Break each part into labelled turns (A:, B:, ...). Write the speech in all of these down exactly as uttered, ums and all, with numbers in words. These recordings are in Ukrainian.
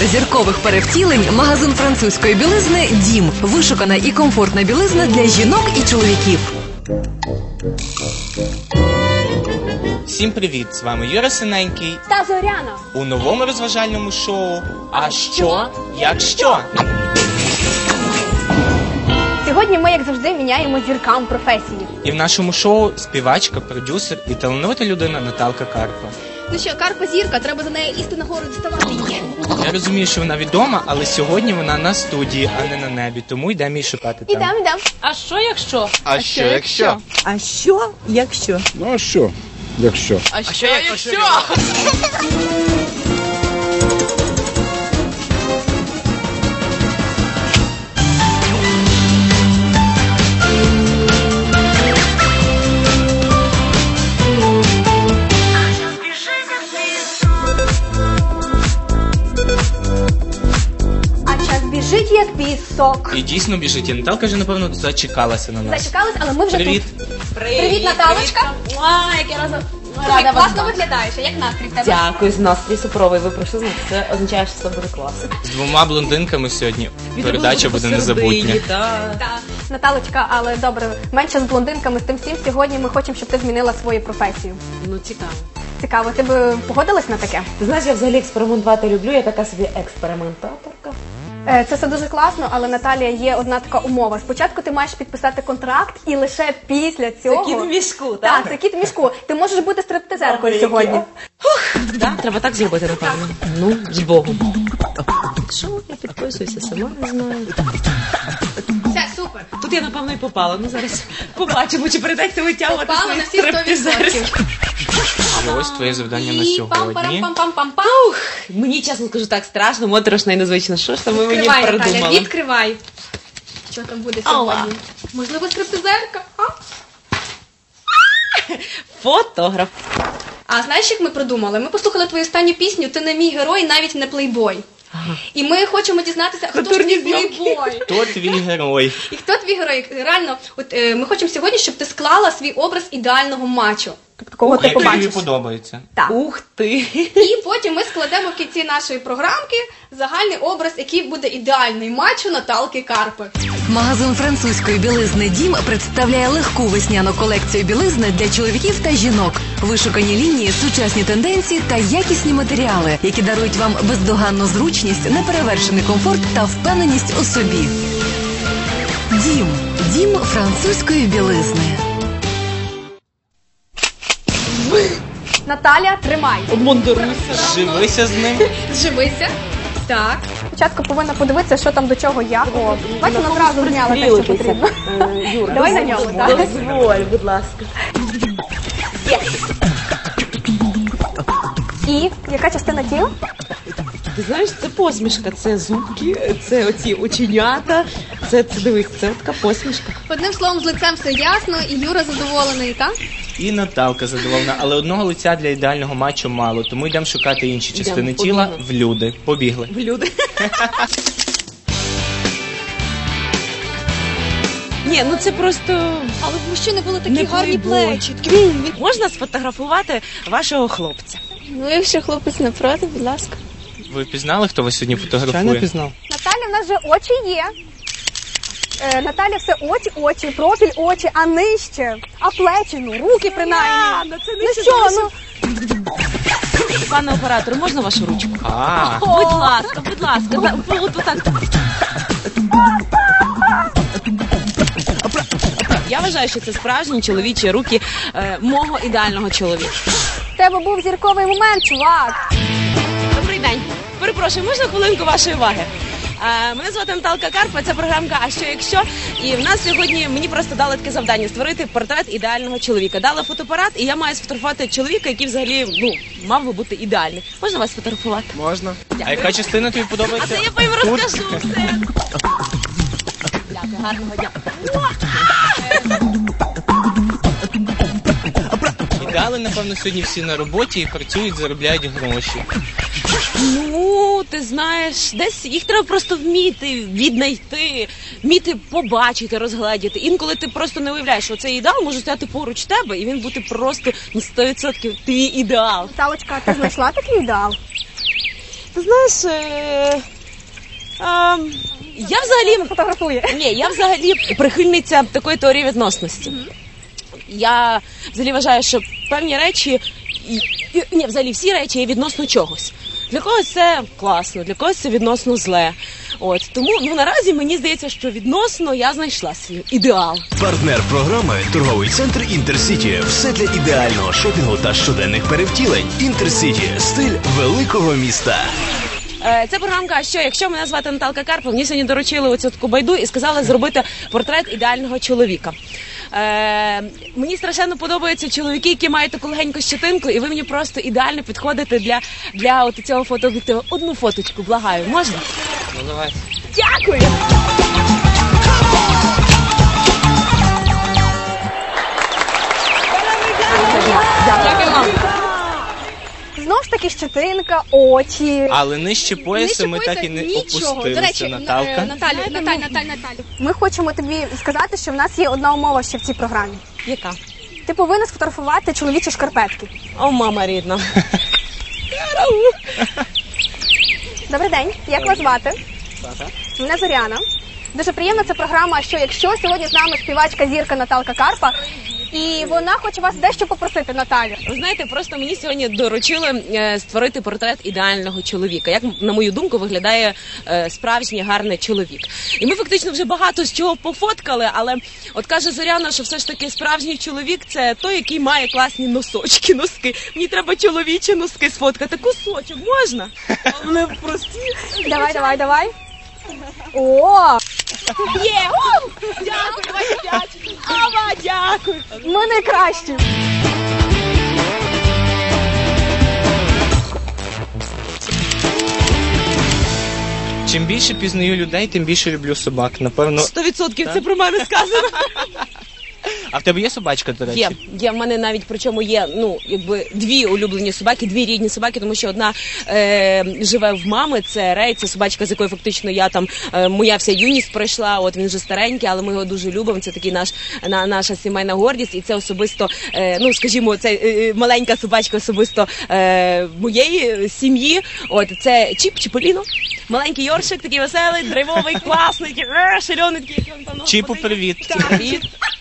A: зіркових перевтілень магазин французької білизни «Дім». Вишукана і комфортна білизна для жінок і чоловіків.
B: Всім привіт! З вами Юра Синенький
C: та Зоряна
B: у новому розважальному шоу «А що, як що?».
C: Сьогодні ми, як завжди, міняємо зіркам професії.
B: І в нашому шоу співачка, продюсер і талановита людина Наталка Карпа.
C: Ну що, Карпа зірка, треба за нею істи нагору діставати її.
B: Я розумію, що вона відома, але сьогодні вона на студії, а не на небі, тому йдемо її шукати там.
C: Ідем, ідем.
D: А що, якщо?
B: А що, якщо?
E: А що, якщо?
F: Ну а що, якщо?
D: А що, якщо?
C: Біжить як пісок.
B: І дійсно біжить. І Наталка вже, напевно, зачекалася на нас.
C: Зачекалась, але ми вже
B: Привіт.
C: тут. Привіт, Привіт, Наталочка.
D: Ой, як я разом.
C: Слухай, класно виглядаєш. А як настрій в тебе?
E: Дякую, з настрій супровий. Ви прийшли, значить, це означає, що це буде клас.
B: З двома блондинками сьогодні передача буде незабутня.
C: Так. Наталочка, але добре, менше з блондинками, з тим всім. Сьогодні ми хочемо, щоб ти змінила свою професію.
E: Ну, цікаво.
C: Цікаво, ти б погодилась на таке?
E: Ти знаєш, я взагалі експериментувати люблю, я така собі експериментаторка.
C: Це все дуже класно, але, Наталія, є одна така умова. Спочатку ти маєш підписати контракт, і лише після цього...
E: Це кіт в мішку, так?
C: Так, це кіт в мішку. Ти можеш бути стриптизеркою сьогодні.
E: Ух, так, треба так зробити, напевно. Ну, з Богом. Що, я підписуюся, сама не знаю.
C: Все, супер.
E: Тут я, напевно, і попала. Ну, зараз побачимо, чи прийдеться витягувати
C: Попала на всі сто відсотків.
B: І ось твоє завдання на сьогодні.
C: Пам-пам-пам-пам-пам.
E: Мені, чесно кажу, так страшно, моторошно і незвично. Що ж там ви мені
C: Відкривай,
E: придумали?
C: Наталя, відкривай. Що там буде сьогодні? Можливо, стриптизерка? А?
E: Фотограф.
C: А знаєш, як ми придумали? Ми послухали твою останню пісню «Ти не мій герой, навіть не плейбой».
E: Ага.
C: І ми хочемо дізнатися, хто ж
E: Культурні
C: твій плейбой.
B: Хто твій герой?
C: І хто твій герой? Реально, от е, ми хочемо сьогодні, щоб ти склала свій образ ідеального мачо. Тобто, кого ти
B: Який тобі
C: побачиш.
B: подобається.
C: Так.
E: Ух ти!
C: І потім ми складемо в кінці нашої програмки загальний образ, який буде ідеальний мачо Наталки Карпи.
A: Магазин французької білизни «Дім» представляє легку весняну колекцію білизни для чоловіків та жінок. Вишукані лінії, сучасні тенденції та якісні матеріали, які дарують вам бездоганну зручність, неперевершений комфорт та впевненість у собі. «Дім» – дім французької білизни.
C: Наталя, тримай.
E: Обмундируйся.
B: Живися з ним.
C: Зживися. Так. Спочатку повинна подивитися, що там до чого як. О, бачу, вона одразу зняла те, що потрібно.
E: Юра,
C: Давай на ньому, так?
E: Дозволь, будь ласка.
C: І яка частина тіла?
E: Ти знаєш, це посмішка, це зубки, це оці оченята, це, це дивись, це така посмішка.
C: Одним словом, з лицем все ясно, і Юра задоволений, так?
B: І Наталка задоволена, але одного лиця для ідеального мачо мало, тому йдемо шукати інші частини
E: Йдемо,
B: тіла
E: побігли.
B: в люди. Побігли.
E: В люди. Ні, ну це просто...
C: Але в мужчини були такі
E: Не
C: гарні
E: плейбой.
C: плечі.
E: Можна сфотографувати вашого хлопця?
C: Ну, якщо хлопець не проти, будь ласка.
B: Ви пізнали, хто вас сьогодні фотографує?
F: пізнав.
C: Наталя, в нас же очі є. Е, Наталя, все очі, очі, профіль очі, а нижче, а плечі, ну, руки принаймні.
E: ну, це
C: Ну
E: нижче
C: що,
E: зовсім.
C: ну,
E: Пане оператор, можна вашу ручку?
B: А,
E: Будь ласка, будь ласка, за- от отак. Я вважаю, що це справжні чоловічі руки е, мого ідеального чоловіка.
C: в тебе був зірковий момент, чувак.
E: Добрий день. Перепрошую, можна хвилинку вашої уваги? Е, мене звати Наталка Карпа, це програмка «А що, якщо?». І в нас сьогодні, мені просто дали таке завдання – створити портрет ідеального чоловіка. Дали фотоапарат, і я маю сфотографувати чоловіка, який взагалі, ну, мав би бути ідеальний. Можна вас сфотографувати?
B: можна. А яка частина тобі
E: А
B: подобається?
E: це я по їм розкажу все. Дякую, гарного дня.
B: Ідеали, напевно, сьогодні всі на роботі і працюють, заробляють гроші.
E: Ну, ти знаєш, десь їх треба просто вміти віднайти, вміти побачити, розгледіти. Інколи ти просто не уявляєш, що цей ідеал може стояти поруч тебе, і він бути просто на сто відсотків твій ідеал.
C: Наталочка, ти знайшла такий ідеал?
E: Ти знаєш, е, а, я взагалі
C: Фотографує.
E: ні, я взагалі прихильниця такої теорії відносності. Я взагалі вважаю, що певні речі, і, і, ні, взагалі всі речі є відносно чогось. Для когось це класно, для когось це відносно зле. От тому ну наразі мені здається, що відносно я знайшла свій ідеал.
G: Партнер програми – торговий центр «Інтерсіті». Все для ідеального шопінгу та щоденних перевтілень. «Інтерсіті» – стиль великого міста.
E: Е, Це програмка, що якщо мене звати Наталка Карпа, мені сьогодні доручили оцю таку байду і сказали зробити портрет ідеального чоловіка. Е, Мені страшенно подобаються чоловіки, які мають таку легеньку щетинку, і ви мені просто ідеально підходите для, для от цього фотооб'єктиву. Одну фоточку, благаю, можна?
B: Ну давай.
E: Дякую! Дякую вам.
C: Знову ж таки щетинка, очі.
B: Але нижче пояса ми так і не опустилися,
H: До речі,
B: Наталка.
H: е, Наталю, Наталь, Наталь, Наталю.
C: Ми хочемо тобі сказати, що в нас є одна умова ще в цій програмі.
E: Яка?
C: Ти повинна сфотографувати чоловічі шкарпетки.
E: О, мама рідна.
C: Добрий день, як вас звати? Мене Зоряна. Дуже приємна ця програма «Що якщо?». Сьогодні з нами співачка зірка Наталка Карпа. І вона хоче вас дещо попросити, Наталю.
E: Ви знаєте, просто мені сьогодні доручили е, створити портрет ідеального чоловіка. Як, на мою думку, виглядає е, справжній гарний чоловік. І ми фактично вже багато з чого пофоткали, але от каже Зоряна, що все ж таки справжній чоловік – це той, який має класні носочки, носки. Мені треба чоловічі носки сфоткати. Кусочок можна? А вони прості.
C: Давай, давай, давай. О,
E: Є! О! Дякую, давайте п'ять. Ава, дякую.
C: ми найкращі.
B: Чим більше пізнаю людей, тим більше люблю собак. Напевно.
E: Сто відсотків це про мене сказано.
B: А в тебе є собачка, до речі?
E: Є, є в мене навіть, причому є, ну, якби дві улюблені собаки, дві рідні собаки, тому що одна е, живе в мами, це Рей, це собачка, з якою фактично я там, е, моя вся юність пройшла, от він вже старенький, але ми його дуже любимо, це такий наш, на, наша сімейна гордість, і це особисто, е, ну, скажімо, це е, маленька собачка особисто е, моєї сім'ї, от, це Чіп, Чіполіно, маленький Йоршик, такий веселий, драйвовий, класний, такий, е, шальоний, такий, як він там, ну,
B: Чіпу,
E: ходить.
B: привіт.
E: Привіт.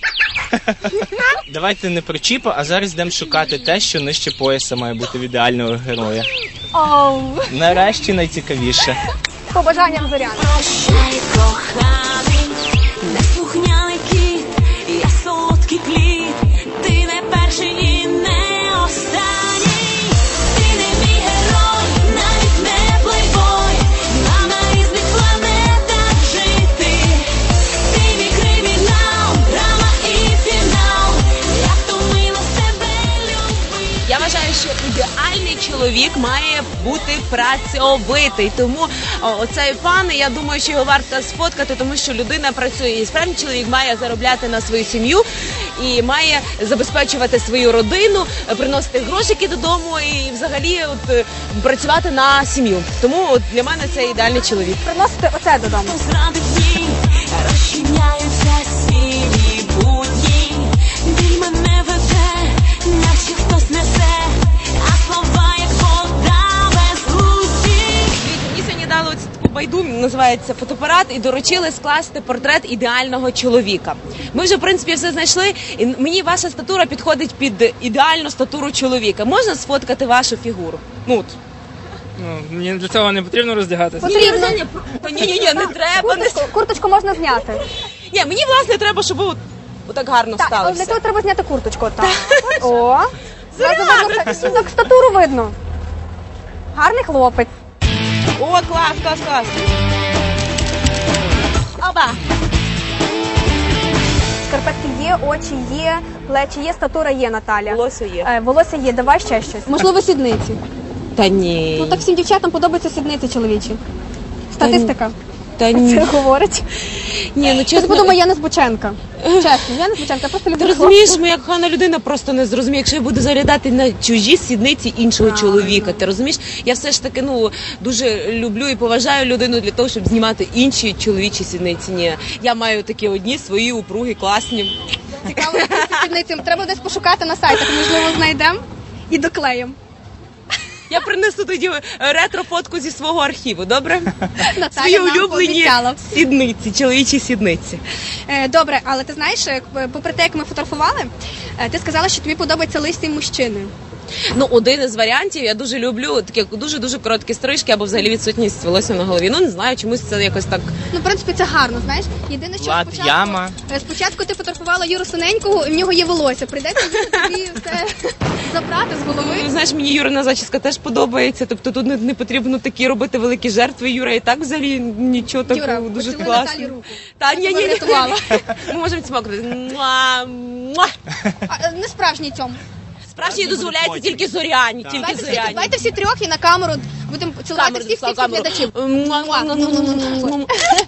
B: Давайте не про Чіпа, а зараз йдемо шукати те, що нижче пояса має бути в ідеального героя.
C: Оу,
B: Нарешті найцікавіше.
C: з побажанням Зоряни.
I: Прощай, коханий, неслухняний кіт, я солодкий плід, ти не перший і не останній, ти не мій герой, навіть не плейбой, нам на різних планетах жити, ти мій кримінал, драма і фінал, я втомилась тебе любити.
E: Я вважаю, що ідеальний чоловік має бути працьовитий. Тому о, оцей пан, я думаю, що його варто сфоткати, тому що людина працює. І справді чоловік має заробляти на свою сім'ю і має забезпечувати свою родину, приносити грошики додому і взагалі от, е, працювати на сім'ю. Тому от, для мене це ідеальний чоловік.
C: Приносити оце додому.
I: Зради дні розчиняються сірі будні, біль мене веде, наче хтось несе, а слова як вода без лузі.
E: Мені сьогодні дали оцю таку байду, називається фотоапарат, і доручили скласти портрет ідеального чоловіка. Ми вже, в принципі, все знайшли, і мені ваша статура підходить під ідеальну статуру чоловіка. Можна сфоткати вашу фігуру? Ну, от.
J: Ну, мені для цього не потрібно роздягатися.
C: Потрібно.
E: Ні-ні-ні, не треба. Не...
C: Курточку, курточку можна зняти.
E: Ні, мені, власне, треба, щоб ви от, отак гарно
C: Так,
E: стали
C: але для
E: все.
C: цього треба зняти курточку. Так. О, зразу видно, так, так статуру видно. Гарний хлопець.
E: О, клас, клас, клас. Оба.
C: Шкарпетки є, очі є, плечі є, статура є, Наталя.
E: Волосся є.
C: Е, волосся є, давай ще щось. Можливо, сідниці.
E: Та ні.
C: Ну так всім дівчатам подобаються сідниці чоловічі. Статистика.
E: Та
C: Це
E: ні.
C: говорить.
E: Ні, ну
C: Ти
E: чесно.
C: подумай, я не Збученка. Чесно, я не Збученка, я просто
E: Ти
C: люблю
E: розумієш,
C: хлопців.
E: моя кохана людина просто не зрозуміє, якщо я буду заглядати на чужі сідниці іншого чоловіка. Ти розумієш? Я все ж таки ну дуже люблю і поважаю людину для того, щоб знімати інші чоловічі сідниці. Ні, я маю такі одні свої упруги, класні.
H: Цікаво, сідницям. Треба десь пошукати на сайтах, можливо, знайдемо і доклеїмо.
E: Я принесу тоді ретро-фотку зі свого архіву, добре?
C: Наталя
E: Свої
C: нам
E: улюблені
C: пообіцяла.
E: сідниці, чоловічі сідниці.
C: Е, Добре, але ти знаєш, е, попри те, як ми фотографували, е, ти сказала, що тобі подобаються лисі мужчини.
E: Ну, один із варіантів, я дуже люблю такі дуже-дуже короткі стрижки або взагалі відсутність волосся на голові. Ну, не знаю, чомусь це якось так...
C: Ну, в принципі, це гарно, знаєш. Єдине, що
B: Влад,
C: спочатку,
B: яма.
C: е, спочатку ти фотографувала Юру Синенького, і в нього є волосся. Прийдеться тобі все забрати з голови.
E: Ну, знаєш, мені Юрина зачіска теж подобається, тобто тут не, не потрібно такі робити великі жертви. Юра і так взагалі нічого такого,
C: Юра,
E: дуже
C: поцілуй Наталі
E: класно.
C: руку.
E: Та
C: Я
E: ні,
C: тебе
E: ні, ні.
C: врятувала.
E: Ми можемо цмокнути. Муа, муа.
C: А, е, не справжній цьому.
E: Справжній дозволяється тільки зоряні, тільки
C: Давайте всі,
E: зоряні.
C: давайте всі трьох і на камеру будемо цілувати
E: Камеру,
C: всіх всіх
E: камеру.
C: глядачів.
E: Муа.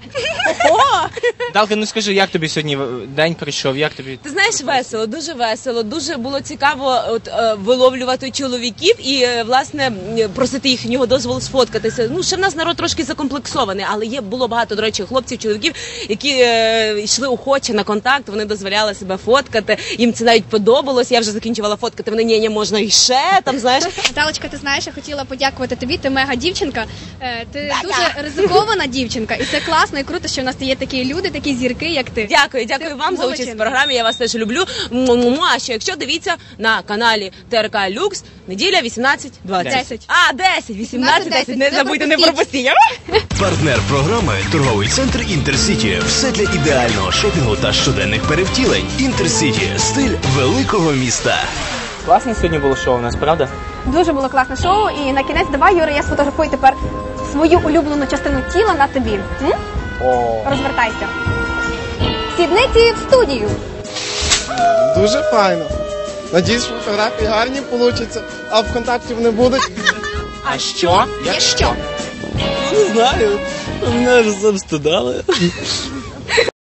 B: Далка, ну скажи, як тобі сьогодні день прийшов? Як тобі?
E: Ти знаєш, весело, дуже весело, дуже було цікаво от, е, виловлювати чоловіків і, е, власне, м, просити їхнього дозволу сфоткатися. Ну, ще в нас народ трошки закомплексований, але є, було багато, до речі, хлопців, чоловіків, які е, йшли охоче на контакт, вони дозволяли себе фоткати, їм це навіть подобалось, я вже закінчувала фоткати, вони, ні, ні, можна і ще, там, знаєш.
C: Наталочка, ти знаєш, я хотіла подякувати тобі, ти мега дівчинка, Е, ти дуже ризикована дівчинка, і це класно і круто, що в нас є такі люди, такі зірки, як ти.
E: Дякую, дякую
C: Ти
E: вам за участь
C: молодчинка.
E: в програмі. Я вас теж люблю. Му-му-му. А ще якщо дивіться на каналі ТРК Люкс, неділя вісімнадцять двадцять.
C: Десять.
E: А, десять, вісімнадцять, десять. Не
C: Не
E: забудьте, не
C: пропустіть.
E: пропустіть.
G: Партнер програми торговий центр Інтерсіті. Все для ідеального шопінгу та щоденних перевтілень. Інтерсіті. Стиль великого міста.
B: Класне сьогодні було шоу у нас, правда?
C: Дуже було класне шоу, і на кінець давай, Юра, я сфотографую тепер свою улюблену частину тіла на тобі. М?
B: О.
C: Розвертайся. Сідниці в студію.
K: Дуже файно. Надіюсь, що фотографії гарні получаться, а ВКонтакті не будуть.
B: А що?
C: Якщо?
L: Не знаю. Мене вже завстидали.